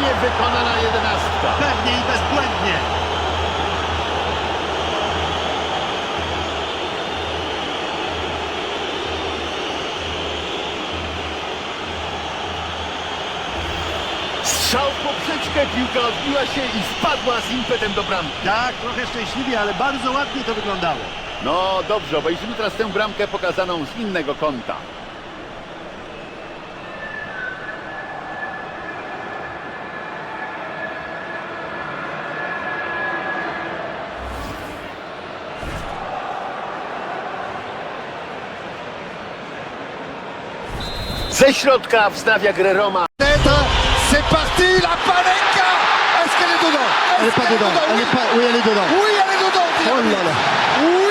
Świetnie wykonana jedenastka. Pewnie i bezbłędnie. Strzał w poprzeczkę, piłka odbiła się i wpadła z impetem do bramki. Tak, trochę szczęśliwie, ale bardzo ładnie to wyglądało. No dobrze, obejrzymy teraz tę bramkę pokazaną z innego kąta. Ze środka wznawia grę Roma. C'est parti, la Panenka. Est-ce qu'elle est dedans? Elle est pas dedans. Elle est pas... Oui, elle est dedans. Oui, elle est dedans. Oh là là. Oui,